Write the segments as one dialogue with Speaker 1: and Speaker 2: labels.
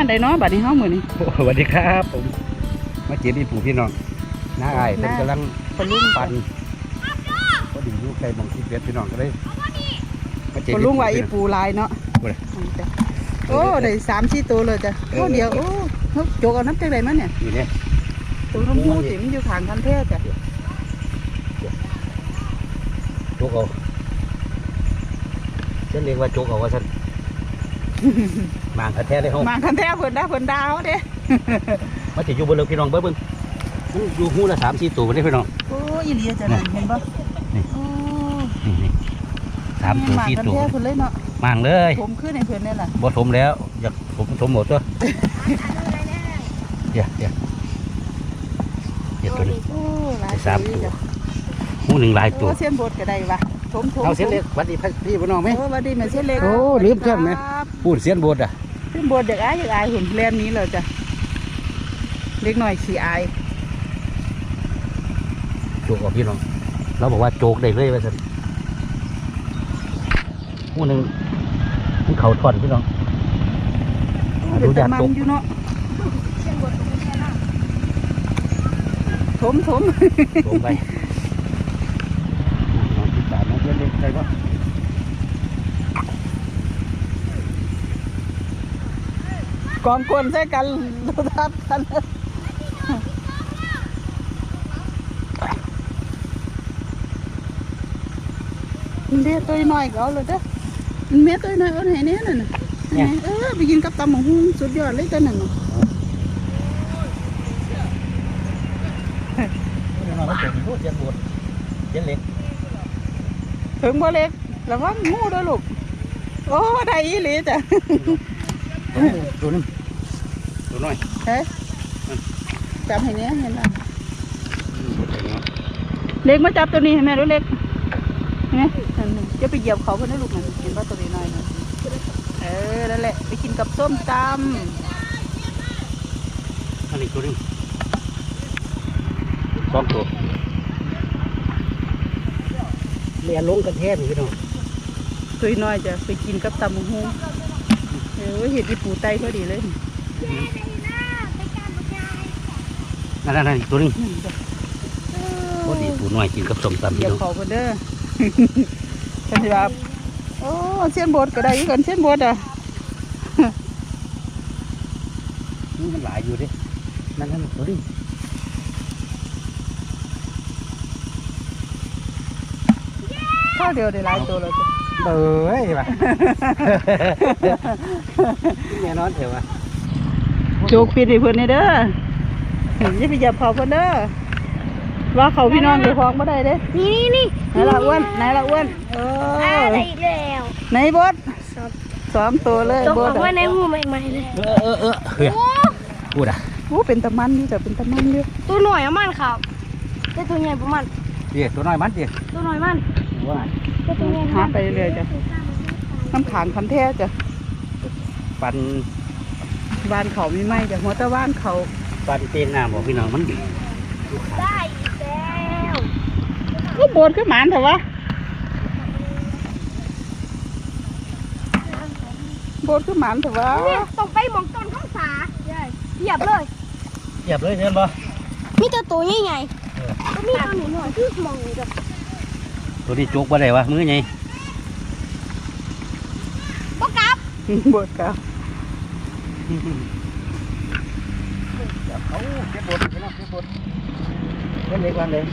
Speaker 1: านใดเนาะบัดนี้เฮามื้อนี้
Speaker 2: สวัสดีครับผมมาเก็บอีปูพี่น้องน้าอ้ายเพิ่นกำลังปั่นก็ดีอยู่ใกล้หม่องที่เบ็ดพี่น้องก็เลยมาเก็บ
Speaker 1: คนลุงว่าอีปูลายเนาะโอ้ได้3-4ตัวเลยจ้ะตัวเดียวโอ้เฮาโจกเอาน้ำจังได๋มาเนี่ย
Speaker 2: นี่เนี่ย
Speaker 1: ตัวน้ำมูสิมันอยู่ข้างคันแท้จ้ะ
Speaker 2: โจกเอาฉันเรียกว่าโจกเอาว่าฉันมางคันแท้เลยเฮาม
Speaker 1: างคันแท้เพิ่นดาวเด้
Speaker 2: มาสิอยู่บนเรือพี่น้องเบิ่งอยู่หูละ3-4ตัวบ่ได้พี่น้อง
Speaker 1: โอ้อีหลีจ้ะนั่นเห็นบ่
Speaker 2: นี่นี่3 ตัว4 ตัว
Speaker 1: มางคันแท้เพิ่นเลยเนาะ
Speaker 2: มางเลย
Speaker 1: ผมขึ้นให้เพิ่นนี่ล่ะ
Speaker 2: บ่ถมแล้วอยากถมหมดตัวเดี๋ยวตัวนี้
Speaker 1: โอ้หลาย
Speaker 2: 3 ตัวหูหนึ่งหลายตัว
Speaker 1: เส้นบดก็ได้ว่ะถม
Speaker 2: เอาเส้นเล็กวัดดีพี่พี่น้องไหม
Speaker 1: โอ้วัดดีแม่เส้นเล็ก
Speaker 2: โอ้ลืมเส้นไหมพูดเส้นบดอ่ะ
Speaker 1: เส้นบดอยากอายหุ่นแลนนี้เลยจ้ะเล็กหน่อยขี้อาย
Speaker 2: โจกออกพี่น้องเราบอกว่าโจกได้เลยว่าสันหูหนึ่งมันเข่าถอนพี่น้อง
Speaker 1: ดูยากตกอยู่เนาะถม
Speaker 2: ไปน้องที่สามน้องเพื่อนเล็กใครวะ
Speaker 1: กองกวนใส่กันดูทัดกันเด็กตัวน้อยก็เอาเลยจ้ะเม็ดตัวน้อยเอาไหนเนี่ยน่ะไปกินกับตำหมูหุ้งสุดยอดเลยตัวนั้นเนาะถึงบ่เล็กระวังงูด้วยลูกโอ้ได้อีหลีจ้ะ
Speaker 2: ตัวนึงตัวน้อย
Speaker 1: เฮ้ยจับให้เนี้ยเห็นไหมเล็กมาจับตัวนี้ให้แม่ดูเล็กเห็นไหมจะไปเหยียบเขาเพื่อนให้ลูกมันเห็นว่าตัวนี้น้อยนะนั่นแหละไปกินกับส้มตำ
Speaker 2: อันนี้ตัวนึง2 ตัวเรียนลงกันแทบพี่น้อง
Speaker 1: ตัวน้อยจะไปกินกับตำหมูฮูเห็ดที่ปูไตพอดีเลย
Speaker 2: นั่นตัวนี้พอดีปูน้อยกินกับส้มตำ
Speaker 1: เดี๋ยวเขาเด้อฉันจะแบบโอ้เส้นบดก็ได้กันเส้นบดอ่ะ
Speaker 2: นี่มันหลายอยู่ดินั่นตัวนี้
Speaker 1: ข้าวเดียวได้หลายตัวเลย
Speaker 2: เบ้ยว่ะแน่นอนเถอะว่ะ
Speaker 1: โจกปิดให้เพื่อนเด้ออย่าไปจับเขาเพื่อนเด้อว่าเขาพี่น้องเดี๋ยวฟ้องไม่ได้เด้
Speaker 3: นี่
Speaker 1: ไหนละอ้วน
Speaker 3: อะไรอีกแล้ว
Speaker 1: ไหนบด2 ตัวเลย
Speaker 3: บดว่าในหูใหม่ๆเลย
Speaker 2: เฮ้ยพูดอ่ะ
Speaker 1: เป็นตะมันนี่แต่เป็นตะมันเยอะ
Speaker 3: ตัวหน่อยมันครับแต่ตัวใหญ่ประมาณ
Speaker 2: ตัวน้อยมัน
Speaker 3: ตัวหน่อยมันตัวใหญ่
Speaker 1: หาไปเรื่อยจ้ะน้ำขางคันแท้จ้ะ
Speaker 2: ปั่น
Speaker 1: บ้านเขามีไหมจ้ะหัวตะบ้านเขา
Speaker 2: ปั่นเตียงน้ำบอกพี่น้องมันดี
Speaker 3: ได้อีกแล้ว
Speaker 1: ก็บดขึ้นหมานเถอะวะบดขึ้นหมานเถอะวะ
Speaker 3: ต้องไปมองต้นข้างสาเหยียบเลย
Speaker 2: เห็นปะ
Speaker 3: มีตัวใหญ่ก็มีตัวหน่อยที่มองแบบ
Speaker 2: ตัวนี้จุกมาได้วะมือไง
Speaker 3: บดกับ
Speaker 2: เขาเก็บบดพี่น้องเก็บบดเล่นเล็กวันเลย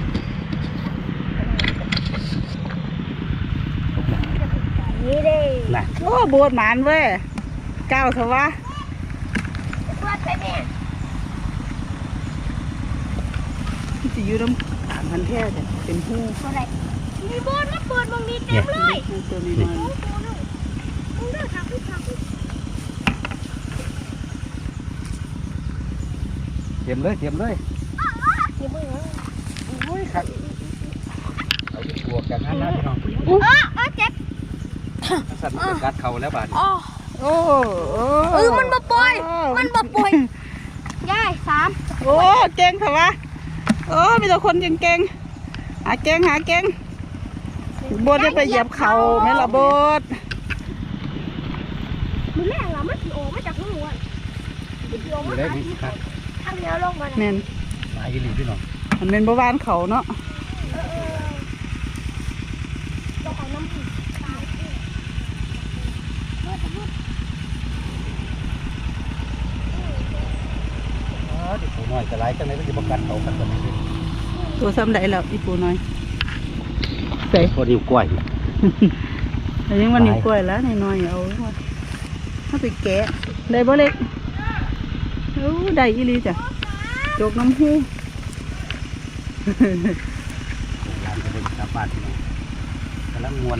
Speaker 3: นี่เด้
Speaker 1: น่ะโอ้บดหมานเว้ยก้าวเถอะวะ
Speaker 3: บดไปเนี่ย
Speaker 1: จะยืดน้ำขางคันแท้จ้ะเป็นหู
Speaker 3: อะไรมีบดมาเปิดมองนี้เต็มเลย
Speaker 1: ตัวนี้น้อย
Speaker 2: เตรียมเลยโอ้ยขัดเอาไปบวกกันนั่นนะพี่น้อง
Speaker 3: เจ็บ
Speaker 2: สัตว์มันกัดเข่าแล้วบาด
Speaker 3: มันบ่ป่วยย่าย3
Speaker 1: โอ้เก่งเถอะวะมีแต่คนเก่งหาเก่งบดได้ไปเหยียบเข่าไหมล่ะบด
Speaker 3: มันแม่งอะมันโอมาจากหัว
Speaker 2: อยู่ได้นี่ครับ
Speaker 3: ทางเดียวลงมา
Speaker 1: แม่น
Speaker 2: หลายอีหลีพี่น้อง
Speaker 1: มันเป็นบ่บ้านเขาเนาะ
Speaker 3: ลงของน้ำผึ้ง
Speaker 2: เด็กผู้น้อยก็หลายจังได๋มันสิบ่กัดเขากันตัวนี้
Speaker 1: ตัวซ้ำใดแล้วอีปูน้อยใส่
Speaker 2: พอนิ้วก้อย
Speaker 1: แต่ยังวันนี้กล้วยแล้วน้อยๆเอาถ้าไปแกะได้บ่เล็กโอ้ได้อีหลีจ้ะจกน้ำหู
Speaker 2: ร้านก็บ่กลับบ้านพี่น้องกำลังม่วน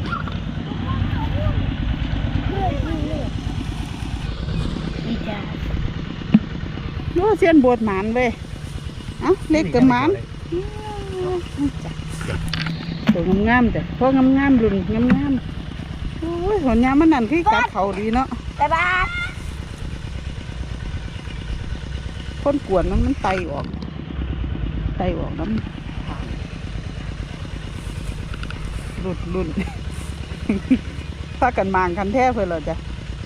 Speaker 3: ดีจ้า
Speaker 1: โอ้เสียนโบดหมานเว้ยเอ้าเล็กกับหมานจ้ะตัวงามๆจ้ะพวกงามๆรุ่นงามๆโอ้ยหัวยามมันนั่นคือกัดเขาดีเนาะ
Speaker 3: บ๊ายบาย
Speaker 1: คนกวนมันไตออกน้ำรุ่น พากันมางคันแท้เพื่อเราจ้ะ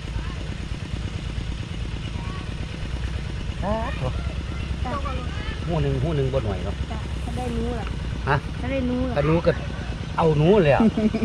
Speaker 2: หูหนึ่งบ่หน่อยเนาะ
Speaker 3: ถ้าได้นู้ล่ะ
Speaker 2: ฮะ
Speaker 3: ถ้าได้นู้ล่ะ
Speaker 2: ถ้าหนูก็เอาหนูเลยอ่ะ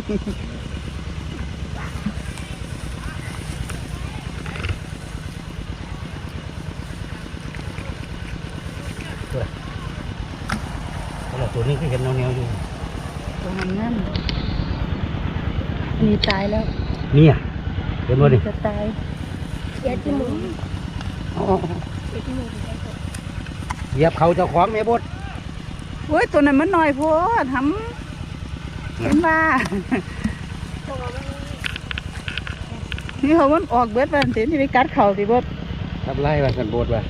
Speaker 2: ตัวนี้ก็เห็นแนวๆอยู่
Speaker 1: ตัวงามๆอันนี้ตายแล้ว
Speaker 2: เนี่ยเห็นบ่นี่
Speaker 1: จะตาย
Speaker 3: เดี๋ยวที่มือ
Speaker 2: อ๋อ
Speaker 3: เดี๋ยวที่มือถึงได้กด
Speaker 2: เหยียบเขาเจ้าของแม่บด
Speaker 1: โอ้ยตัวนั้นมันน้อยโพดทำเห็นว่า
Speaker 3: ตัวมัน
Speaker 1: นี่เขามันออกเบิดวันเต็มที่ไปกัดเขาสิเบิด
Speaker 2: ทำไรว่าสันบดว่า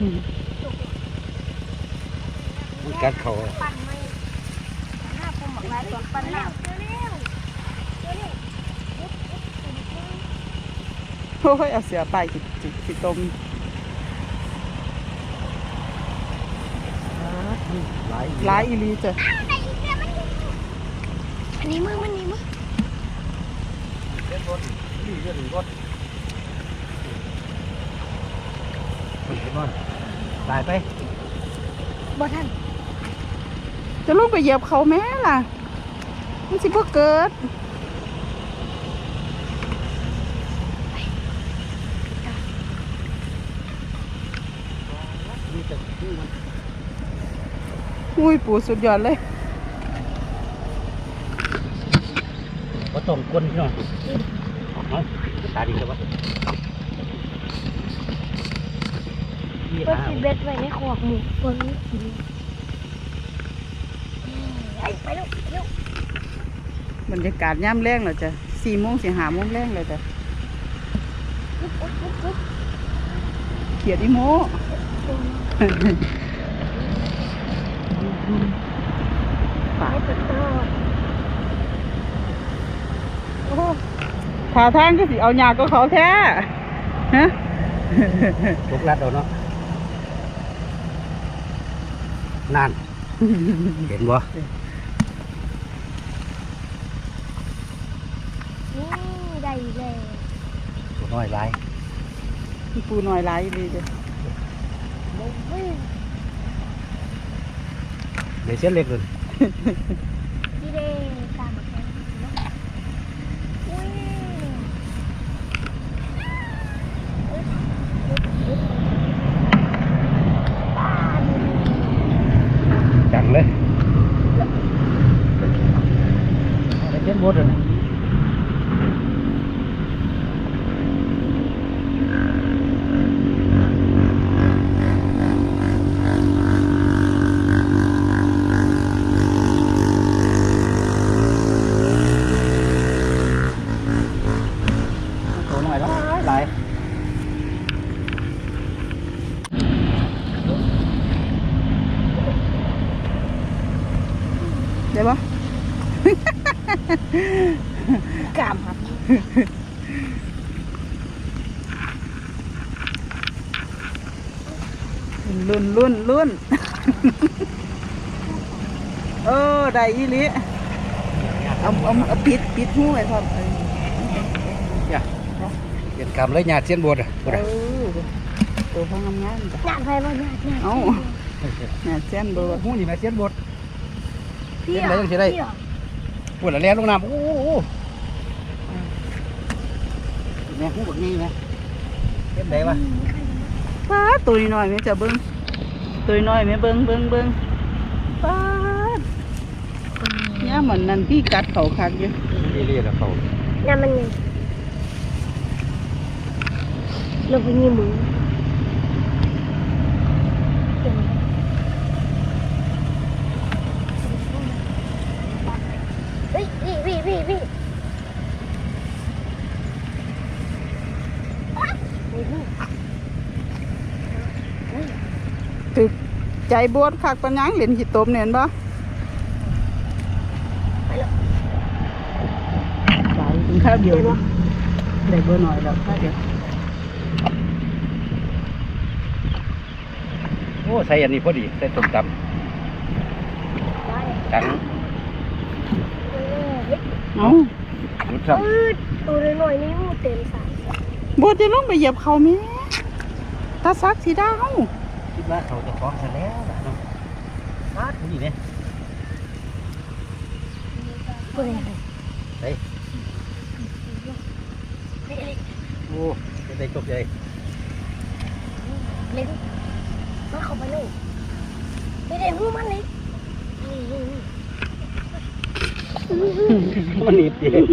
Speaker 2: มันกัดเขา
Speaker 3: ปั่นไม่หน้าผมบอกลายตัวปั่นแล้วเร็ว
Speaker 1: โอ้ยเอาเสือไปสิตม หลายอีหลีจ้ะ
Speaker 3: อันนี้มือมันนี่มือ
Speaker 2: เล่นรถนี่เล่นรถเห็นบ่ตายไป
Speaker 3: บ่ทัน
Speaker 1: จะลงไปเหยียบเขาแม่ล่ะมันสิบ่เกิดอุ้ยปู่สุดยอดเลย
Speaker 2: ก็ต้องคนพี่น้องเอาตาดีเลยวะ
Speaker 3: ก็สิเบ็ดไว้ในขวกหมูตัวนี้กินไปเร็วเร็ว
Speaker 1: บรรยากาศย่ำแรงแล้วจ้ะ4 โมงสิ5 โมงแรงแล้วจ้ะ
Speaker 3: ปุ๊บ
Speaker 1: เขียดอีโมป่า
Speaker 3: ให้ติดต่อ
Speaker 1: โอ้ท่าทางก็สิเอาหยาก็เขาแท้ฮะ
Speaker 2: ลูกรัดเอาเนาะนั่นเห็นบ่
Speaker 3: นี่ได้เลย
Speaker 2: ตัวน้อยหลาย
Speaker 1: มีปูหน่อยหลายดีจ้ะ
Speaker 2: เดี๋ยวเส้นเล็กเลย
Speaker 3: ดีเด้ตามมาแค่อุ้ย
Speaker 2: จังเลยเดี๋ยวเส้นบดเลย ตัวหน่อยหลาย
Speaker 1: เดี๋ยวบ่
Speaker 3: กามครับ
Speaker 1: รุ่น เออได้อีหลีเอาปิดหูไว้พร้อม
Speaker 2: เปลี่ยนกรรมเลยหยาดเส้นบดอ่ะ
Speaker 1: เออตัวพ่องามๆจ้ะ
Speaker 3: หน้าไปบ่หน้า
Speaker 1: เอ้าน่าเส้นโบด
Speaker 2: หูนี่แม่เสียนบด
Speaker 3: พี่
Speaker 2: เล่นอะไรจังสิได้ ปวดละแล่นลงน้ำโอ้โหแม่หูบักนี่แม่เล่นไหนวะ
Speaker 1: ป้าดตัวน้อยๆแม่จะเบิ่งตัวน้อยแม่เบิ่งป้าดเนี่ยเหมือนนั่นพี่กัดเขาคักอยู่
Speaker 2: เรียกเขา
Speaker 3: น้ำมันไงลงไปยี่มือเฮ้ยพี่
Speaker 1: ถึกใจบวชคักปัญญังเหรียญขีดตมเนี่ยเห็นปะไปถึงข้าวเดียวได้เบอร์หน่อยแล้วข้าวเดียว
Speaker 2: โอ้ใส่อันนี้พอดีใส่ต้มตำจัง
Speaker 1: เอ้า
Speaker 2: รุดซ้
Speaker 3: ตัวน้อยนี่มูเต็มสาย
Speaker 1: บวชจะลงไปเหยียบเขาไหมตาซักสีดาว
Speaker 2: ำคิดว่าเขาจะฟ้องฉันแล้วนะเนาะฟาดนี่เนี่ย
Speaker 3: ตัวไหน
Speaker 2: เฮ้ยโอ้จะได้จบใหญ่
Speaker 3: เล็กมาเข้าไปเลยไม่ได้หูมันเลยนี่
Speaker 2: มันหนีบเอง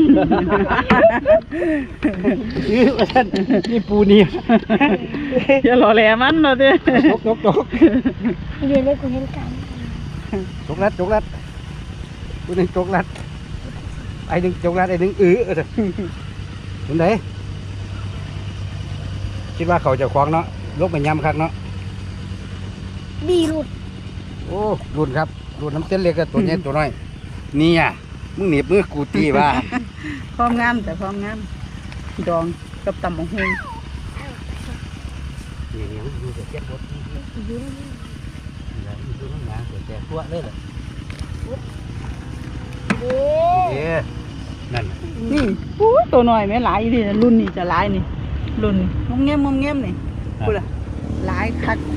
Speaker 2: นี่ปูนี่
Speaker 1: อย่าหล่อแหลมันเนาะเด้
Speaker 2: จก
Speaker 3: เรียนได้กูเห็นกัน
Speaker 2: จกรัดปูนึงจกรัดไอ้หนึ่งจกรัดไอ้หนึ่งเห็นไหนคิดว่าเขาจะคว้างเนาะลกไปย้ำคักเนาะ
Speaker 3: ดีหลุด
Speaker 2: โอ้รุ่นครับรุ่นน้ำเต้นเล็กกับตัวใหญ่ตัวน้อยนี่อ่ะมึงหนีบมือกูตีว่า
Speaker 1: พร้อมงามแต่พร้อมงามดองกับตำบักหุ่ง
Speaker 2: นี่มันอยู่แต่เจ็บปวด
Speaker 3: ยืน
Speaker 2: อยู่น้ำหนาแต่ตัวเลยเหรอ
Speaker 3: เอ๊
Speaker 2: เอ๊ะนั่น
Speaker 1: นี่อู้ยตัวน้อยไหมหลายดิรุ่นนี้จะหลายนี่รุ่นงมเงี้ยนี่พูดละหลายคัก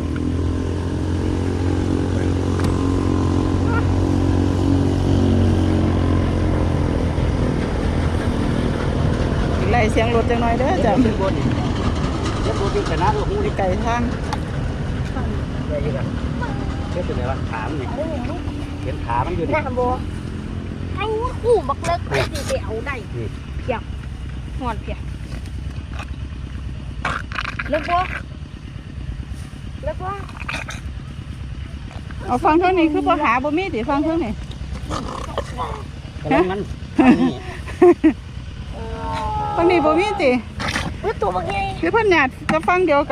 Speaker 1: ไล่เสียงรถจังหน่อยเด้อจ้ะ
Speaker 2: เจ็บปวดนี่เจ็บปวดที่ขนาดหูนี่
Speaker 1: ไก่ทาง
Speaker 2: ใหญ่ยังเจ็บเป็นไงวะขามันนี่เห็นขามันอยู่
Speaker 3: ห
Speaker 2: นี่
Speaker 3: น้าบัวให้หูบักเลิกไปสิเอาได้
Speaker 2: นี่
Speaker 3: เพียบหอดเพียบเลิกบัว
Speaker 1: เอาฟังเท่านี้คือบ่หาบ่มีติฟังเท่านี้
Speaker 2: กำลังมันนี่
Speaker 1: ฟังนี้บ่มีติ
Speaker 3: เฮ้ยตัวบักใหญ่
Speaker 1: คือเพิ่นญาติจะฟังเดียวกัน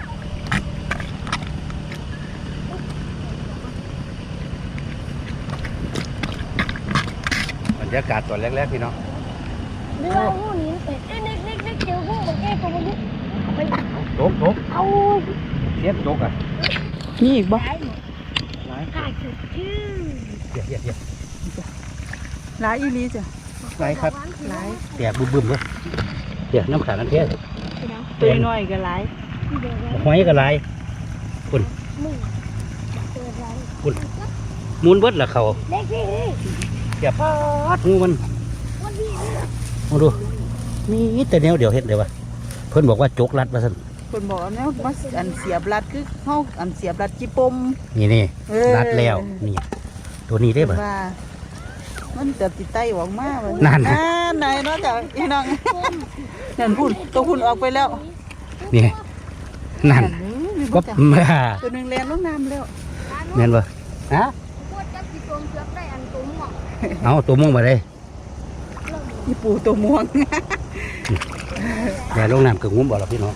Speaker 2: บรรยากาศตอนแรกๆพี่น้อง
Speaker 3: เรือหูนี้เป็ดเล็กเจอหูบักใหญ่ตัวบักใหญ่ไป
Speaker 2: จก
Speaker 3: เอา
Speaker 2: เสียบจกอ่ะ
Speaker 1: มีอีกบ่
Speaker 3: ได้หมด
Speaker 2: หลาย
Speaker 3: กายสุดชื่อ
Speaker 2: เดี๋ยว
Speaker 1: หลายอีหลีจ้ะ
Speaker 2: หลายครับ
Speaker 1: หลาย
Speaker 2: แตกบึ้มๆเลยเดี๋ยวน้ำขาดน้ำเทียน
Speaker 1: ตัวน้อยก็หลาย
Speaker 2: หอยก็หลาย
Speaker 3: มึงเจออะไร
Speaker 2: มูลเบิดละเขา
Speaker 3: เล็กพี่
Speaker 2: เสียบปาดงูมัน
Speaker 3: วันนี้
Speaker 2: มาดูมีแต่แนวเดี๋ยวเห็นเลยวะเพิ่นบอกว่าจกรัดมาสั่น
Speaker 1: เพิ่นบอกแนวมาอันเสียบรัดคือเฮาอันเสียบรัดจิปม
Speaker 2: นี่
Speaker 1: เออ
Speaker 2: รัดแล้วนี่ตัวนี้ได้ปะ
Speaker 1: ว่ามันจะติดไตออกมาบ่
Speaker 2: นั่น
Speaker 1: ไหนเนาะจ้ะพี่น้องนั่นพุ่นตัวพุ่นออกไปแล้ว
Speaker 2: นี่นั่น
Speaker 1: นี่
Speaker 2: ก็
Speaker 1: บ่จ้ะ
Speaker 2: มา
Speaker 1: ตัวหนึงแล่นลงน้ำแล้ว
Speaker 2: แม่นปะฮะ
Speaker 3: พูดกับพี่ตรงเชือกได้อันตัวหมวก
Speaker 2: เอาตัวม่วงมาเลย
Speaker 1: อีปูตัวม่วง
Speaker 2: แม่ลงน้ำกับงุ้มบอกเราพี่น้อง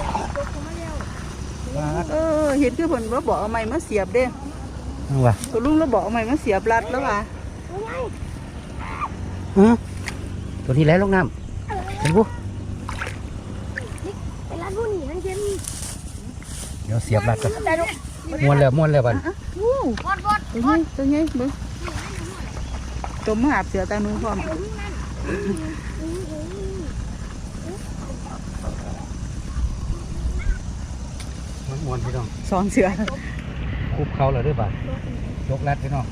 Speaker 1: เออเห็นคือเพิ่นว่าบอกเอาไม้มาเสียบเด้
Speaker 2: เอาวะ
Speaker 1: ตัวลุงแล้วบอกเอาไม้มาเสียบรัดแล้วว่า
Speaker 2: ฮะตัวนี้แล้วลงน้ำเห็นปุ๊
Speaker 3: ไปร้านผู้หนีนั่นเจมี่
Speaker 2: เดี๋ยวเสียบรัดกัน
Speaker 3: แต่ลูก
Speaker 2: ม้วนแล้วบัน
Speaker 1: วู้
Speaker 3: วอด
Speaker 1: ตัวใหญ่เบิ่งตัวมาหาบเสือตาหนูพร้อม
Speaker 2: มวนพี่น้อง
Speaker 1: สองเสือ
Speaker 2: คุบเขาเลยด้วยป่ะยกรัดพี่น้อง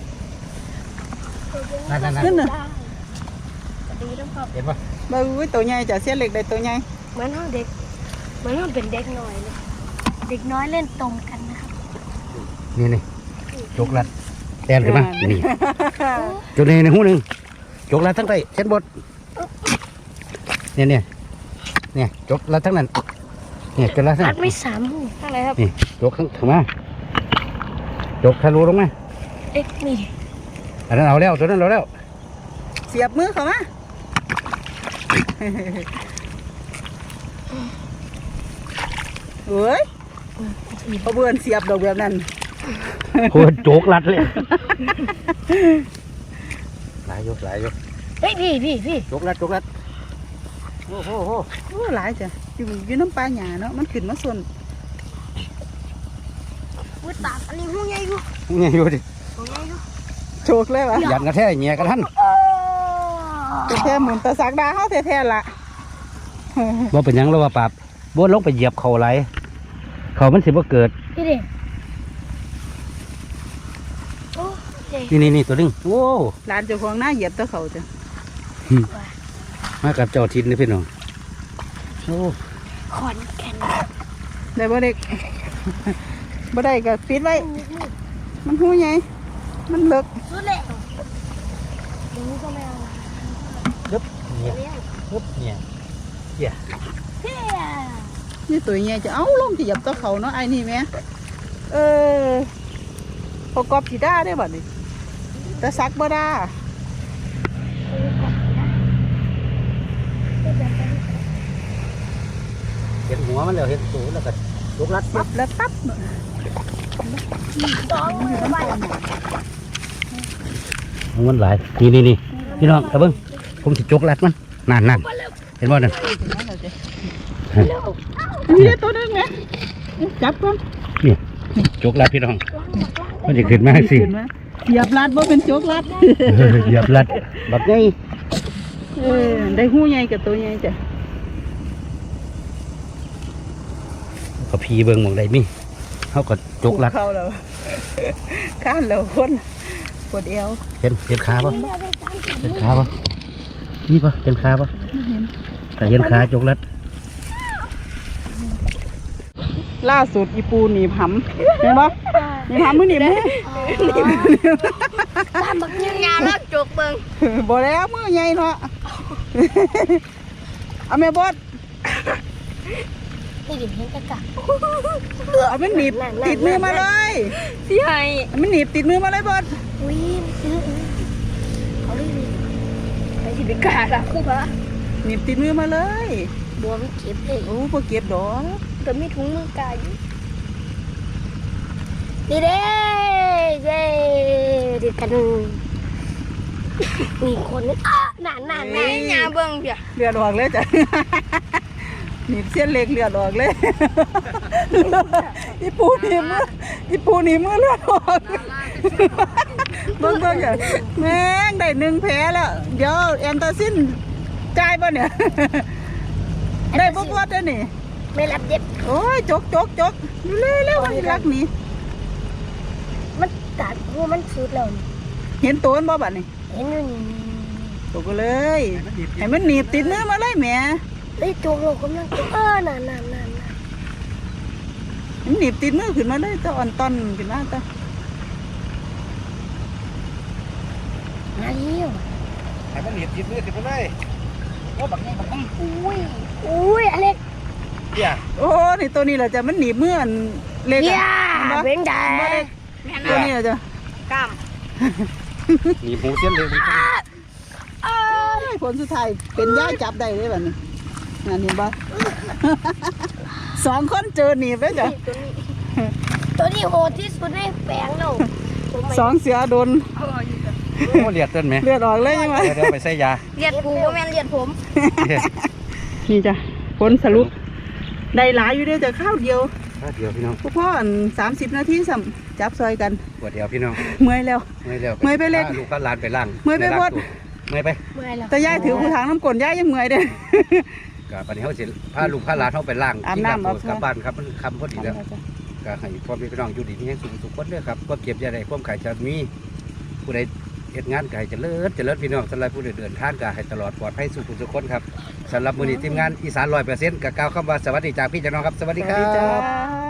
Speaker 2: นั่น
Speaker 1: ขึ้นน่ะ
Speaker 3: ดีแล้วครับ
Speaker 2: เห็นป่ะ
Speaker 1: บ่อุ้ยตัวใหญ่จ้ะเสียเล็กได้ตัวใหญ่
Speaker 3: เหมือนห้องเด็กเหมือนห้องเป็นเด็กน้อยเลยเด็กน้อยเล่นตรงกันนะครับ
Speaker 2: นี่ยกรัดแอนขึ้นมานี่จุดนี้ในหูหนึ่งยกรัดทั้งใต้เส้นบดเนี่ยยกรัดทั้งนั้นเนี่ยจนรัดทั้ง
Speaker 3: รั
Speaker 2: นั้
Speaker 3: ด
Speaker 2: น
Speaker 3: ไม่สามหูข้างไหนครับ
Speaker 2: นี่ยกข้างถึงมายกทะลุลงมา
Speaker 3: เอ็กนี่
Speaker 2: อันนั้นเอาแล้วตัวนั้นเอาแล้ว
Speaker 1: เสียบมือเข้ามาเอ้ยเอาเบื่อนเสียบดอกแบบนั้น
Speaker 2: โอ้โจกรัดเลยหลายยก
Speaker 3: เฮ้ยพี่
Speaker 2: โจกรัดโอ้โห
Speaker 1: โอ้หลายจ้ะอยู่น้ำปลาหยาเนาะมันขึ้นมาส่วน
Speaker 3: อุ้ยตากอันนี้หูใหญ่อยู่
Speaker 2: นี่อยู่ดิ
Speaker 3: หูใหญ่อยู่
Speaker 1: โชกเลยวะ
Speaker 2: ยันกระแทกเงี้ยกระทัน
Speaker 1: แท้ๆหมุนตะสักดาเฮาแท้ๆล่ะ
Speaker 2: บ่เป็นหยังแล้วว่าปราบบ่ลงไปเหยียบเขาไหลเขามันสิบ่เกิด
Speaker 3: พี่เด็กโอ้เด็ก
Speaker 2: นี่ตัวนึงโอ้
Speaker 1: หลานเจ้าของหน้าเหยียบตะเขาจ้ะ
Speaker 2: มากับเจ้าทินนี่พี่น้องโอ้
Speaker 3: ขอนแก่น
Speaker 1: ได้บ่เด็ก บ่ได้ก็ปิดไว้ มันหูใหญ่มันเลิก
Speaker 3: สุดเลยดูก็ไม่เอา
Speaker 2: ยึบเนี่ย
Speaker 3: เลี้ยง
Speaker 2: ยึบเนี่ย
Speaker 3: เฮีย
Speaker 1: นี่ตัวใหญ่จะเอาลงจะเหยียบตะเขาเนาะไอ้นี่แม่พอกอบสิได้ได้บ่นี่ตะสักบ่ได้
Speaker 2: เห็นหัวมันแล้วเห็นตูแล้วก็ยกรัด
Speaker 1: เสียบแล้วตับ
Speaker 3: สองมือไป
Speaker 2: มันหลายนี่พี่น้องเอาเบิ่งผมสิจกรัดมันนั่นเห็นบ่นั่น
Speaker 1: นี่ตัวนึงไงจับก่อน
Speaker 2: นี่จกรัดพี่น้องมันจะขึ้นมาสิ
Speaker 1: ขึ้นมาเหยียบลัดบ่เป็นโจกลัด
Speaker 2: เหยียบรัดแบบนี้
Speaker 1: ได้หูใหญ่กับตัวใหญ่จ้ะ
Speaker 2: ก็พีเบิ่งหมองใดมีเขาก็จกรัด
Speaker 1: เข้าแล้วข้านแล้วคนปวดเอว
Speaker 2: เห็นขาปะเห็นขาปะนี่ปะเห็นขาปะแต่เห็นขาจกรัด
Speaker 1: ล่าสุดอีปูหนีบหำเห็นปะหนีบหำมือหนีบมือ
Speaker 3: ตามบักยืนยาวแล้วจกเบิ่ง
Speaker 1: บ่แล้วมือใหญ่เนาะเอาแม่บด
Speaker 3: นี่ดิเห็นกะกะ
Speaker 1: เอามันหนีบติดมือมาเลย
Speaker 3: พี่ไฮ
Speaker 1: เอามันหนีบติดมือมาเลยบด
Speaker 3: อุ้ยเขาเลยไปสิไปกาละคู่ปะ
Speaker 1: หนีบติดมือมาเลย
Speaker 3: บัวมันเก็บเลย
Speaker 1: โอ้พอเก็บดอก
Speaker 3: แต่ไม่ถุงมือกายนี่เด้เย้ดีกันมีคนนึงนานแม่ยาเบิ่งเปีย
Speaker 1: เลือดออกเลยจ้ะหนีบเส้นเล็กเลือดออกเลยอีปูหนีบมือเลือดออกเบิ่งอ่ะแม่งได้1แผลแล้วเดี๋ยวแอนตาซินจ่ายป่ะเนี่ยได้บ่บดแล้วนี่
Speaker 3: ไม่รับเย็บ
Speaker 1: โอ้ยจกเร็วๆรักนี่
Speaker 3: มันตัดหัวมันสุดแล้ว
Speaker 1: เห็นตัวมันบ่บัดนี่
Speaker 3: เห็นอยู่นี่
Speaker 1: ตกก็เลยให้มันหนีบติดมือมาเลยแหม่
Speaker 3: เฮ้ยตัวเรากำลังนาน
Speaker 1: มันหนีบติดมือขึ้นมาเลยตะอ่อนตอนขึ้นมาตะ
Speaker 3: มาเลี้ยว
Speaker 2: ให้มันเหยียบมือติดไปเลยโอ้บักนี่
Speaker 3: อุ้ยอเล็ก
Speaker 2: เดี๋ยว
Speaker 1: โอ้นี่ตัวนี้แหละจ้ะมันหนีบมืออันเล็ก
Speaker 3: เฮีย
Speaker 1: อะ
Speaker 3: เป็นไง
Speaker 1: ตัวนี้แหละจ้ะ
Speaker 3: กล้าม
Speaker 2: หนีบหูเส้นเลย
Speaker 1: ผลสุดท้ายเป็นย่าจับได้เลยบัดนี้นั่นเห็นบ่2 คนเจอหนีบแล้วจ้ะ
Speaker 3: ตัวนี้โหดที่สุดในแปลงเรา
Speaker 1: 2 เสือโดน
Speaker 2: โอ้เลียดเต้นไหม
Speaker 1: เลือดออกเลยใช่ไหม
Speaker 2: เดี๋ยวไปใส่ยา
Speaker 3: เลียดผูก็แม่นเลียดผม
Speaker 1: นี่จ้ะผลสรุปได้หลายอยู่เด้อจ้ะข้าวเดียว
Speaker 2: เดี๋ยวพี่น้อง
Speaker 1: พวกพ่ออัน30 นาทีสัมจับซอยกัน
Speaker 2: ปวดเดียวพี่น้อง
Speaker 1: เมื่อยแล้ว
Speaker 2: เมื่อยแล้ว
Speaker 1: เมื่อยไปเล็ก
Speaker 2: ลูกก็ลานไปล่าง
Speaker 1: เมื่อยไปบด
Speaker 2: เมื่อยไป
Speaker 3: เมื่อยแล้ว
Speaker 1: แต่ยายถือผู้ทางน้ำกลนยายยังเมื่อยเด้อ
Speaker 2: กก็ปันนี้เขาสิพาลูกพาหลานเขาไปล้าง
Speaker 1: อาบ
Speaker 2: ที่
Speaker 1: น้ำ
Speaker 2: ตัว
Speaker 1: เอา
Speaker 2: กลับบ้านครับมันคำพอดีแล้ว
Speaker 1: ทำแล้วจ้ะ
Speaker 2: ก็ให้พ่อแม่พี่น้องอยู่ดีมีแห่งสุขสุขคนเด้อครับก็เก็บยาใดความขายจะมีผู้ใดเฮ็ดงานก็ให้เจริญพี่น้องสำหรับผู้ใดเดินทางก็ให้ตลอดปลอดภัยสุขสุขคนครับสำหรับมื้อนี้ทีมงานอีสาน100%ก็กล่าวคำว่าสวัสดีจากพี่จากน้องครับสวัส
Speaker 1: ส
Speaker 2: ดี
Speaker 1: วัส
Speaker 2: ครั
Speaker 1: ดีจ้า
Speaker 2: บ